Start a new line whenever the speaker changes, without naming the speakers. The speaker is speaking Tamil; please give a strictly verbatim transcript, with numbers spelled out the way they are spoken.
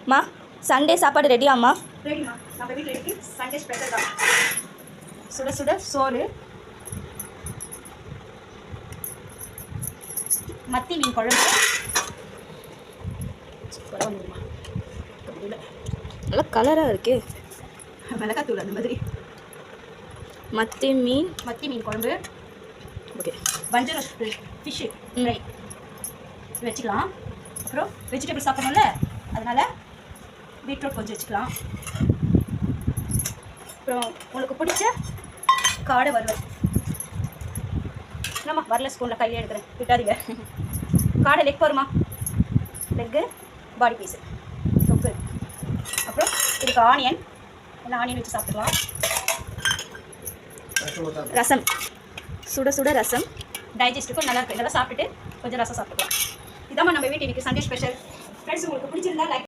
மா சண்டே சாப்பாடு ரெடியாம்மா?
ரெடிமா, நம்ம வீட்டில் இருக்கு சண்டே ஸ்பெஷல் தான். சுட சுட சோறு, மத்தி மீன் குழம்பு, சூப்பராக வந்துடுமா.
நல்லா கலராக இருக்கே.
மிளகாத்தூள் அந்த மாதிரி.
மத்தி மீன்
மத்தி மீன் குழம்பு,
ஓகே.
வஞ்சரம் ஃபிஷ்ஷு ஃப்ரை வச்சுக்கலாம். அப்புறம் வெஜிடபிள் சாப்பிடணும்ல, அதனால் பீட்ரூட் கொஞ்சம் வச்சுக்கலாம். அப்புறம் உங்களுக்கு பிடிச்ச காடை வறுவல். என்னம்மா வரல, ஸ்பூனில் கையில் எடுக்கிறேன், விட்டாதீங்க. காடை லெக் வருமா, லெக்கு பாடி பீஸு தொக்கு. அப்புறம் இதுக்கு ஆனியன், எல்லாம் ஆனியன் வச்சு சாப்பிட்டுக்கலாம்.
ரசம், சுட சுட ரசம்,
டைஜஸ்ட்டுக்கும் நல்லா இருக்குது. இதெல்லாம் சாப்பிட்டுட்டு கொஞ்சம் ரசம் சாப்பிட்டுக்கலாம். இதாம்மா நம்ம வீட்டு இன்றைக்கி சண்டே ஸ்பெஷல். ஃப்ரெண்ட்ஸ் உங்களுக்கு பிடிச்சிருந்தா லைக்